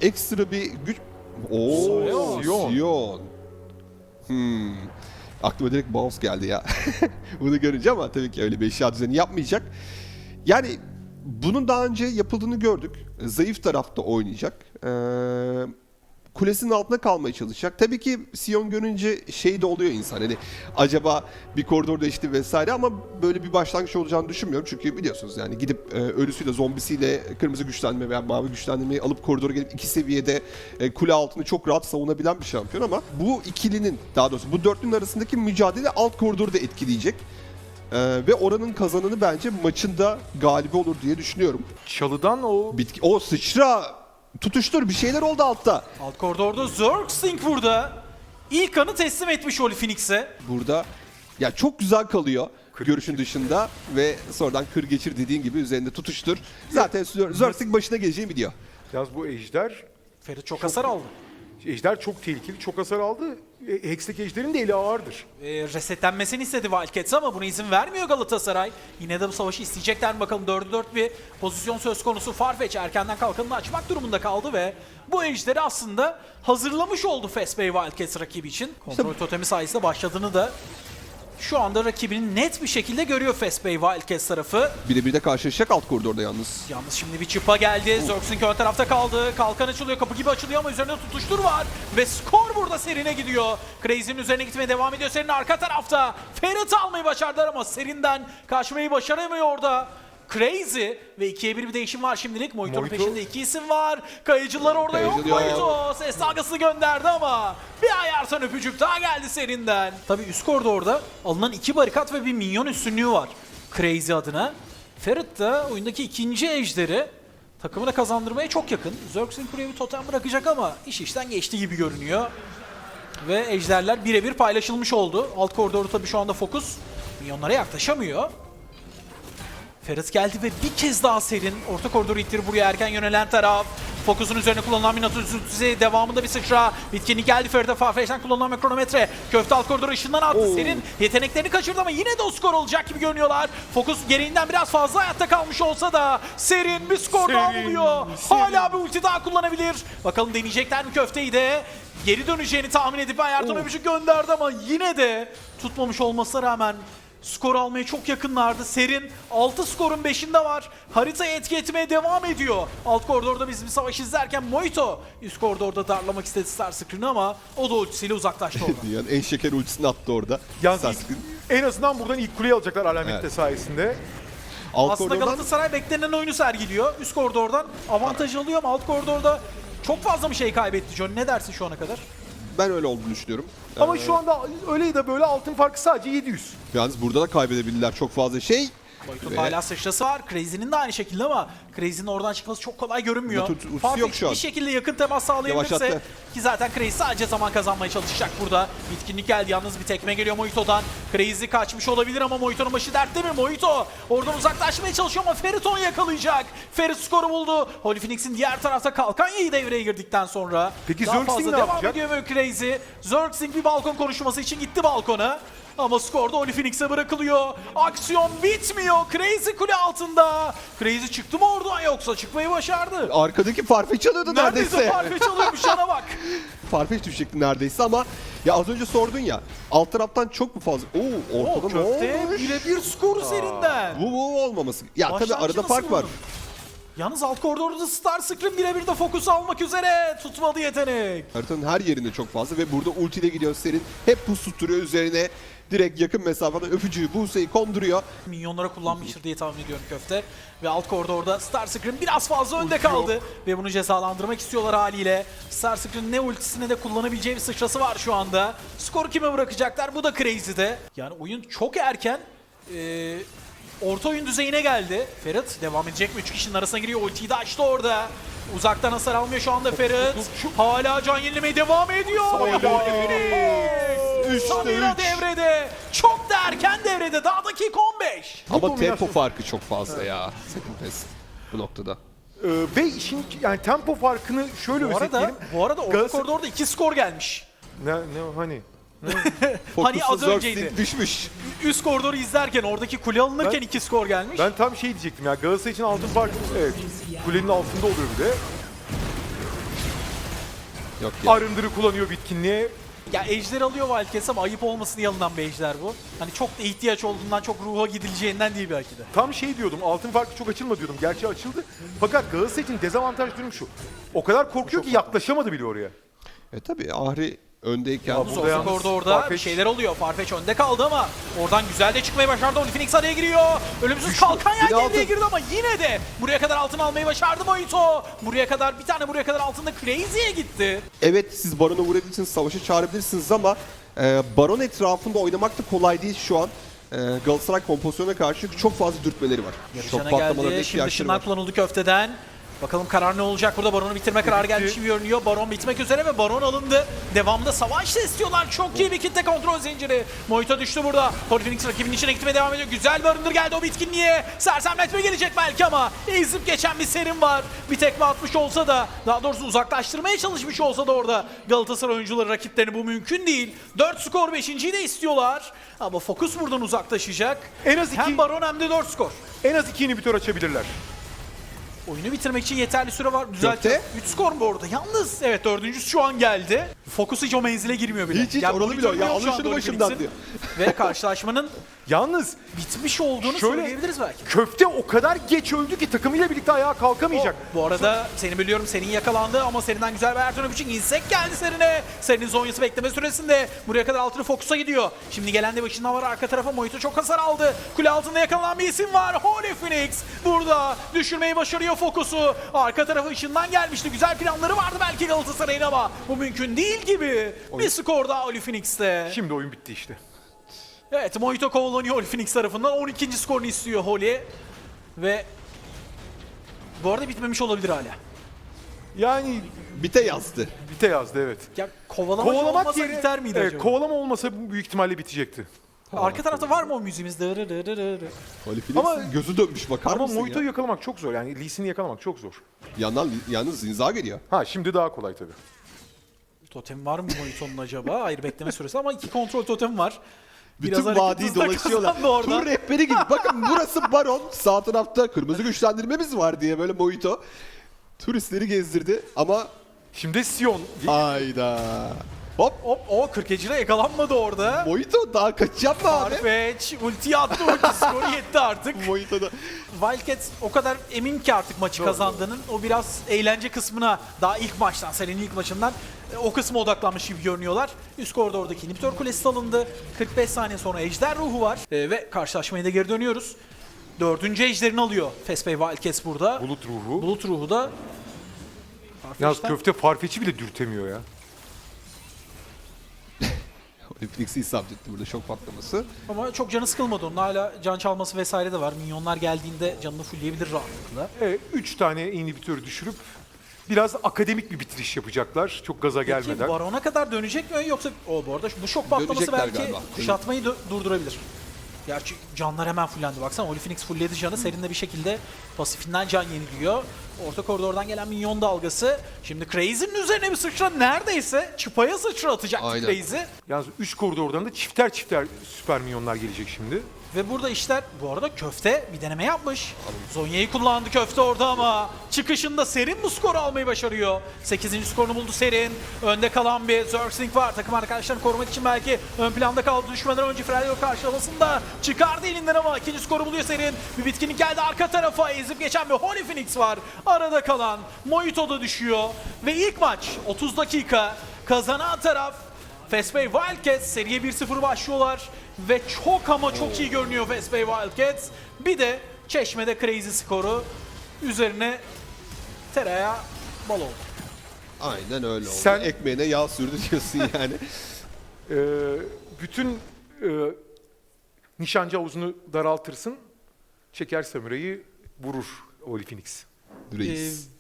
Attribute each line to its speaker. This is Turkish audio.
Speaker 1: ekstra bir güç... Ooo, Sion. Aklıma direkt Bounce geldi ya. Bunu görünce, ama tabii ki öyle bir eşya düzeni yapmayacak. Yani bunun daha önce yapıldığını gördük. Zayıf tarafta oynayacak. Kulesinin altında kalmaya çalışacak. Tabii ki Sion görünce şey de oluyor insan. Hani acaba bir koridor değişti vesaire, ama böyle bir başlangıç olacağını düşünmüyorum. Çünkü biliyorsunuz yani gidip ölüsüyle, zombisiyle kırmızı güçlendirme veya mavi güçlendirmeyi alıp koridora gelip iki seviyede kule altını çok rahat savunabilen bir şampiyon, ama bu ikilinin, daha doğrusu bu dörtlünün arasındaki mücadele alt koridoru da etkileyecek. Ve oranın kazananı bence maçında galibi olur diye düşünüyorum.
Speaker 2: Çalıdan o
Speaker 1: O sıçra, tutuştur, bir şeyler oldu altta.
Speaker 3: Alt koridorda Zergsting burada. İlk kanı teslim etmiş Holy Phoenix'e.
Speaker 1: Burada ya çok güzel kalıyor görüşün dışında ve sonradan kır geçir dediğin gibi üzerinde tutuştur. Zaten Zergsting başına geleceği biliyor.
Speaker 2: yalnız bu ejder
Speaker 3: Ferit çok hasar aldı.
Speaker 2: çok tehlikeli, çok hasar aldı. Hextech ejderin de eli ağırdır.
Speaker 3: Resetlenmesini istedi Wildcats ama buna izin vermiyor Galatasaray. Yine de bu savaşı isteyecekler mi bakalım. 4'e 4 bir pozisyon söz konusu. Farfetch erkenden kalkanını açmak durumunda kaldı ve bu ejderi aslında hazırlamış oldu Fast Bay Wildcats rakibi için. Kontrol totemi sayesinde başladığını da şu anda rakibini net bir şekilde görüyor Fast Bay Wildcats tarafı.
Speaker 1: Birebir de karşılaşacak alt koridorda yalnız.
Speaker 3: Yalnız şimdi bir çıpa geldi. Zergsting ön tarafta kaldı. Kalkan açılıyor, kapı gibi açılıyor ama üzerinde tutuştur var. Ve skor burada Serin'e gidiyor. Crazy'nin üzerine gitmeye devam ediyor. Serin arka tarafta. Ferit almayı başardılar ama Serin'den kaçmayı başaramıyor orada. Crazy ve 2'ye 1 bir değişim var şimdilik. Moito'nun peşinde 2 isim var. Kayıcılar orada yok. Moito ses dalgasını gönderdi ama bir ayarsan öpücük daha geldi Serin'den. Tabii üst koridorda alınan 2 barikat ve bir minyon üstünlüğü var Crazy adına. Ferit de oyundaki ikinci ejderi takımına kazandırmaya çok yakın. Zergsting buraya bir totem bırakacak ama iş işten geçti gibi görünüyor. Ve ejderler birebir paylaşılmış oldu. Alt koridorda tabii şu anda fokus minyonlara yaklaşamıyor. Ferit geldi ve bir kez daha Serin. Orta koridoru ittirip buraya erken yönelen taraf. Fokusun üzerine kullanılan Minotaur üzüntüsü. Devamında bir sıçra. Bitkinlik geldi Ferit'e. Farfetch'ten kullanılan bir kronometre. Köfte alt koridoru ışından attı. Serin yeteneklerini kaçırdı ama yine de o skor olacak gibi görünüyorlar. Fokus gereğinden biraz fazla hayatta kalmış olsa da Serin bir skor daha buluyor. Hala bir ulti daha kullanabilir. Bakalım deneyecekler mi köfteyi de. Geri döneceğini tahmin edip Ayarton öpücük gönderdi ama yine de tutmamış olmasına rağmen skor almaya çok yakınlardı. Serin 6 skorun 5'inde var. Haritayı etki etmeye devam ediyor. Alt koridorda biz bir savaş izlerken Moito üst koridorda darlamak istedi Starscream'i ama o da ultisiyle uzaklaştı orada.
Speaker 1: Yani en şeker ultisini attı orada.
Speaker 2: Yalnız en azından buradan ilk kuleyi alacaklar alamette sayesinde.
Speaker 1: Alt
Speaker 3: Aslında
Speaker 1: koridordan
Speaker 3: Galatasaray beklenen oyunu sergiliyor. Üst koridordan avantaj alıyor ama alt koridorda çok fazla bir şey kaybetti John. Ne dersin şu ana kadar?
Speaker 1: ben öyle olduğunu düşünüyorum.
Speaker 2: Ama şu anda öyle ya da böyle altın farkı sadece 700.
Speaker 1: Yalnız burada da kaybedebilirler çok fazla şey.
Speaker 3: Moito'nun hala sıçrası var. Crazy'nin de aynı şekilde ama Crazy'nin oradan çıkması çok kolay görünmüyor.
Speaker 1: Ultisi yok şu an.
Speaker 3: Bir şekilde yakın temas sağlayabilirse
Speaker 1: Yavaşlattı.
Speaker 3: ki zaten Crazy sadece zaman kazanmaya çalışacak burada. Bitkinlik geldi. Yalnız bir tekme geliyor Moito'dan. Crazy kaçmış olabilir ama Moito'nun başı dertte mi? Moito oradan uzaklaşmaya çalışıyor ama Ferit onu yakalayacak. Ferit skoru buldu. Holy Phoenix'in diğer tarafta kalkan yayı devreye girdikten sonra.
Speaker 2: Peki
Speaker 3: daha
Speaker 2: Zergsting
Speaker 3: fazla
Speaker 2: ne
Speaker 3: devam
Speaker 2: yapacak?
Speaker 3: ediyor böyle Crazy. Zergsting bir balkon konuşması için gitti balkona. Ama skorda Holy Phoenix'e bırakılıyor. Aksiyon bitmiyor. Crazy kule altında. Crazy çıktı mı oradan yoksa çıkmayı başardı.
Speaker 1: Arkadaki Farfetch alıyordu neredeyse.
Speaker 3: Farfetch alıyormuş yana bak.
Speaker 1: Farfetch düşecekti neredeyse, ama ya az önce sordun ya, alt taraftan çok mu fazla? Ortada ne
Speaker 3: Köfte
Speaker 1: olmuş?
Speaker 3: birebir skoru Serin'den.
Speaker 1: Bu olmaması. Ya tabii
Speaker 3: Başlangıcı
Speaker 1: arada
Speaker 3: nasıl
Speaker 1: fark var.
Speaker 3: buldun? Yalnız alt koridorda Starscream birebir de fokus almak üzere. Tutmadı yetenek.
Speaker 1: Haritanın her yerinde çok fazla ve burada ultiyle gidiyor Serin. Hep pus tutturuyor üzerine. Direkt yakın mesafeden öpücüğü Buse'yi konduruyor.
Speaker 3: Minyonlara kullanmıştır diye tahmin ediyorum köfte. Ve alt koridorda Starscream biraz fazla önde kaldı. Ve bunu cezalandırmak istiyorlar haliyle. Starscream'in ne ultisine de kullanabileceği bir sıçrası var şu anda. Skoru kime bırakacaklar? Bu da Crazy'de. Yani oyun çok erken. Orta oyun düzeyine geldi. Ferit devam edecek mi? 3 kişinin arasına giriyor. Ultiyi de açtı orada. Uzaktan hasar almıyor şu anda Ferit. Hala can yenilemeye devam ediyor. Samira devrede. Çok da erken devrede. Daha dakika 15.
Speaker 1: Ama tempo farkı çok fazla ya. Second Best bu noktada.
Speaker 2: Ve işin yani tempo farkını şöyle özetleyelim.
Speaker 3: Bu arada orta koridorda 2 skor gelmiş.
Speaker 2: Hani?
Speaker 3: Hani az
Speaker 1: Fokus'un
Speaker 3: önceydi.
Speaker 1: Zergsting düşmüş.
Speaker 3: Üst koridoru izlerken oradaki kule alınırken 2 skor gelmiş.
Speaker 2: Ben tam şey diyecektim ya, Galatasaray için altın farkı evet kulenin altında oluyor bir de.
Speaker 1: Yok ya.
Speaker 2: Arındırı kullanıyor bitkinliğe.
Speaker 3: Ya ejder alıyor Wildcats ama ayıp olmasın diye alınan bir ejder bu. Hani çok da ihtiyaç olduğundan, çok ruha gidileceğinden değil belki de.
Speaker 2: Tam şey diyordum, altın farkı çok açılma diyordum. Gerçi açıldı. Fakat Galatasaray için dezavantaj durum şu. O kadar korkuyor ki yaklaşamadı bile oraya.
Speaker 1: Tabii Ahri öndeyken
Speaker 2: Ya bu-
Speaker 3: Zorluk
Speaker 2: yalnız
Speaker 3: orada bir
Speaker 2: Farfetch-
Speaker 3: şeyler oluyor. Farfetch önde kaldı ama oradan güzel de çıkmayı başardı. Oliphenix araya giriyor. Ölümsüz kalkan
Speaker 1: Yine
Speaker 3: yelkenliğe
Speaker 1: altın.
Speaker 3: girdi ama yine de buraya kadar altın almayı başardı Moito. Buraya kadar bir tane buraya kadar altında Crazy'ye gitti.
Speaker 1: evet siz Baron'a vurabilirsiniz, savaşa çağırabilirsiniz ama Baron etrafında oynamak da kolay değil şu an. Galatasaray kompozisyona karşı çok fazla dürtmeleri var. Çok
Speaker 3: Yarışana
Speaker 1: patlamalarına
Speaker 3: geldi. Şimdi
Speaker 1: ihtiyaçları
Speaker 3: ışınlar
Speaker 1: var.
Speaker 3: kullanıldı köfteden. Bakalım karar ne olacak burada? Baron'u bitirme kararı gelmiş gibi görünüyor. Baron bitmek üzere ve Baron alındı. Devamında savaş da istiyorlar. Çok iyi bir kitle kontrol zinciri. Moito düştü burada. Oliphenix rakibinin içine gitmeye devam ediyor. Güzel bir arındır geldi o bitkinliğe. Sersemletme gelecek belki ama ezip geçen bir serim var. Bir tekme atmış olsa da, daha doğrusu uzaklaştırmaya çalışmış olsa da orada Galatasaray oyuncuları rakiplerini bu mümkün değil. 4 skor 5.'yi de istiyorlar. Ama Focus buradan uzaklaşacak.
Speaker 2: En az iki-
Speaker 3: Hem Baron hem de 4 skor.
Speaker 2: En az 2 inhibitör açabilirler.
Speaker 3: Oyunu bitirmek için yeterli süre var. Düzeltiyor.
Speaker 1: Köfte.
Speaker 3: 3 skor mu orada? Yalnız evet dördüncüsü şu an geldi. Focus hiç o menzile girmiyor bile.
Speaker 1: Hiç
Speaker 3: Yani
Speaker 1: oralı bile yok. Ya
Speaker 3: monitör
Speaker 1: alın
Speaker 3: şu
Speaker 1: şunu
Speaker 3: anda
Speaker 1: başımdan
Speaker 3: Oliphenix'in.
Speaker 1: diyor.
Speaker 3: Ve karşılaşmanın
Speaker 2: Yalnız
Speaker 3: bitmiş olduğunu
Speaker 2: Şöyle-
Speaker 3: söyleyebiliriz belki.
Speaker 2: köfte o kadar geç öldü ki takımıyla birlikte ayağa kalkamayacak.
Speaker 3: Bu arada seni biliyorum, senin yakalandı ama serinden güzel bir Ertuğrul öpücük. insek geldi serine. Serinin zonyası bekleme süresinde buraya kadar altını Focus'a gidiyor. Şimdi gelen de başından var arka tarafa. Moito çok hasar aldı. Kule altında yakalanan bir isim var. Holy Phoenix burada düşürmeyi başarıyor Focus'u. Arka tarafı ışından gelmişti. Güzel planları vardı belki Galatasaray'ın ama bu mümkün değil gibi. Bir skor daha Holy Phoenix'te.
Speaker 2: Şimdi oyun bitti işte.
Speaker 3: Evet, Moito kovalanıyor Holy Phoenix tarafından. 12. skorunu istiyor Holy. Ve bu arada bitmemiş olabilir hala.
Speaker 2: Yani
Speaker 1: Bite yazdı.
Speaker 2: bite yazdı evet.
Speaker 3: Ya kovalama olmasa biter miydi acaba?
Speaker 2: Kovalama olmasa büyük ihtimalle bitecekti.
Speaker 3: Arka tarafta var mı o müziğimiz?
Speaker 1: Oliphenix'in
Speaker 2: Ama-
Speaker 1: gözü dönmüş bakar
Speaker 2: Ama
Speaker 1: mısın
Speaker 2: Moito'yu
Speaker 1: ya?
Speaker 2: yakalamak çok zor. Yani Lee Sin'i yakalamak çok zor.
Speaker 1: Yalnız Zinza geliyor.
Speaker 2: Ha şimdi daha kolay tabii.
Speaker 3: Totem var mı Moito'nun acaba? Hayır, bekleme süresi ama 2 kontrol totem var.
Speaker 1: Bütün
Speaker 3: hareket
Speaker 1: vadiyi
Speaker 3: hızı da
Speaker 1: dolaşıyorlar.
Speaker 3: kazandı orada.
Speaker 1: Tur rehberi gibi. Bakın burası Baron. Sağ tarafta kırmızı güçlendirmemiz var diye böyle Moito turistleri gezdirdi ama
Speaker 2: Şimdi Sion.
Speaker 1: hayda. Hop.
Speaker 3: Hop, o 40'ıcıda yakalanmadı orada.
Speaker 1: Moito daha kaçacak mı abi?
Speaker 3: Farfetch ultiyi attı, ulti skoru yetti artık.
Speaker 1: Moito'da.
Speaker 3: Wildcats o kadar emin ki artık maçı kazandığının, o biraz eğlence kısmına daha ilk maçtan, serinin ilk maçından o kısma odaklanmış gibi görünüyorlar. Üst koridordaki inhibitor kulesi alındı. 45 saniye sonra ejder ruhu var. Ve karşılaşmaya da geri dönüyoruz. 4. ejderini alıyor Fesbey Wildcats burada.
Speaker 2: Bulut ruhu.
Speaker 3: Bulut ruhu da
Speaker 2: Yalnız
Speaker 3: Farfetch'ten-
Speaker 2: köfte Farfetch'i bile dürtemiyor ya.
Speaker 1: Oliphenix'i isabet etti burada şok patlaması.
Speaker 3: ama çok canı sıkılmadı onun. Hala can çalması vesaire de var. Minyonlar geldiğinde canını fullleyebilir rahatlıkla.
Speaker 2: 3 tane inhibitörü düşürüp biraz akademik bir bitiriş yapacaklar. Çok gaza
Speaker 3: Peki
Speaker 2: gelmeden.
Speaker 3: Baron'a kadar dönecek mi yoksa bu arada bu şok patlaması
Speaker 1: Dönecekler
Speaker 3: belki
Speaker 1: galiba.
Speaker 3: kuşatmayı durdurabilir. Gerçi canlar hemen fullendi. Baksana Oliphenix fullledi canı. Serin de bir şekilde pasifinden can yeniliyor. Orta koridordan gelen minyon dalgası. Şimdi Crazy'nin üzerine bir sıçra, neredeyse çıpaya sıçra atacaktı
Speaker 1: Aynen.
Speaker 3: Crazy.
Speaker 2: Yalnız 3 koridordan da çifter çifter süper minyonlar gelecek şimdi.
Speaker 3: Ve burada işler, bu arada köfte bir deneme yapmış. Zonya'yı kullandı köfte orada ama çıkışında Serin bu skoru almayı başarıyor. 8. skorunu buldu Serin. Önde kalan bir Zerxing var. Takım arkadaşlarını korumak için belki ön planda kaldı. Düşmeden önce Fredo karşılamasında çıkardı elinden ama ikinci skoru buluyor Serin. Bir bitkinlik geldi arka tarafa. Ezip geçen bir Holy Phoenix var. Arada kalan Moito da düşüyor. Ve ilk maç 30 dakika. Kazanan taraf Fesbey Wildcats. Seriye 1-0 başlıyorlar. Ve çok ama çok iyi görünüyor Fesbey Wildcats. Bir de Çeşme'de Crazy skoru. Üzerine tereyağı bal oldu.
Speaker 1: Aynen öyle oldu.
Speaker 2: Sen-
Speaker 1: Ekmeğine yağ sürdü diyorsun yani.
Speaker 2: Bütün nişancı havuzunu daraltırsın. Çeker samurayı vurur Holy Phoenix.
Speaker 1: Reis.